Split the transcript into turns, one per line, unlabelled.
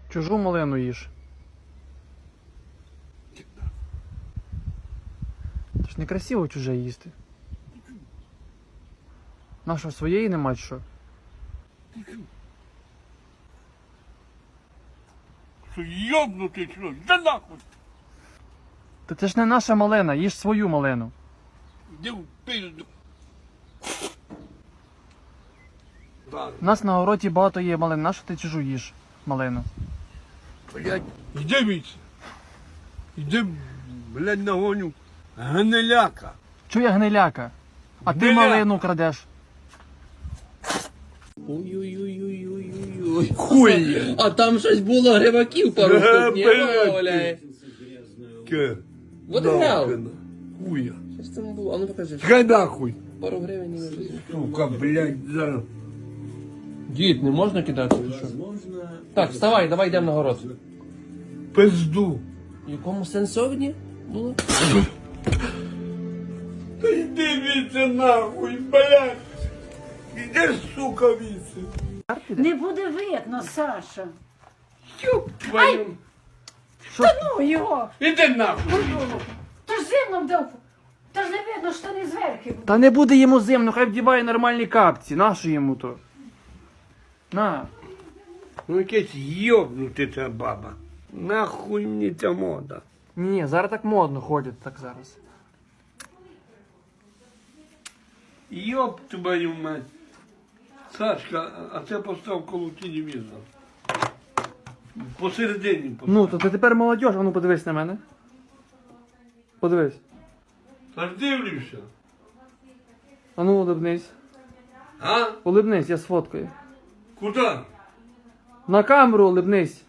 Чужу малину їж. Це ж некрасиво чуже їсти. Наша своєї нема чи що?
Що йобнутий, що? Да нахуй!
Та це ж не наша малина, їж свою малину.
Іди в пизду. Да,
У нас на городі багато є малин, нащо ти чужу їж малину?
блядь, іди віце. Іди, блядь, нагоню гниляка.
Чує гниляка? А ти
Гниляка.
малину крадеш.
Ой-ой-ой-ой-ой-ой.
Хуй!
А там щось було гриваків пару штук, ні?
блядь.
Валяє.
Ке?
Вот і грав.
Нахуй, хуя.
Що ж це не було? А ну покажи.
Хай нахуй.
Пару гривень і вже.
Сука, блядь, зараз.
Дід, не можна кидати? Що? Так, вставай, давай йдемо на город.
Пизду.
В якому сенсовні було?
Та йди віце нахуй, блядь. Іди, сука, віце.
Не буде видно, Саша.
Ёб твою.
Ну його!
Іди нахуй.
Ти ж зимно вдав. Та ж не видно, що не зверху.
Та не буде йому зимно, хай вдіває нормальні капці. Нащо йому то? На.
Ну якесь йобнути ця баба. Нахуй мені ця мода.
Ні, зараз так модно ходять так зараз.
Йоб твою мать. Сашка, а це постав коло телевізора. Посередині постав.
Ну, то ти тепер молодь, а ну подивись на мене. Подивись.
Та ж дивлюся.
А ну улибнись.
А?
Улибнись, я сфоткаю.
Куди?
На камеру улибнись.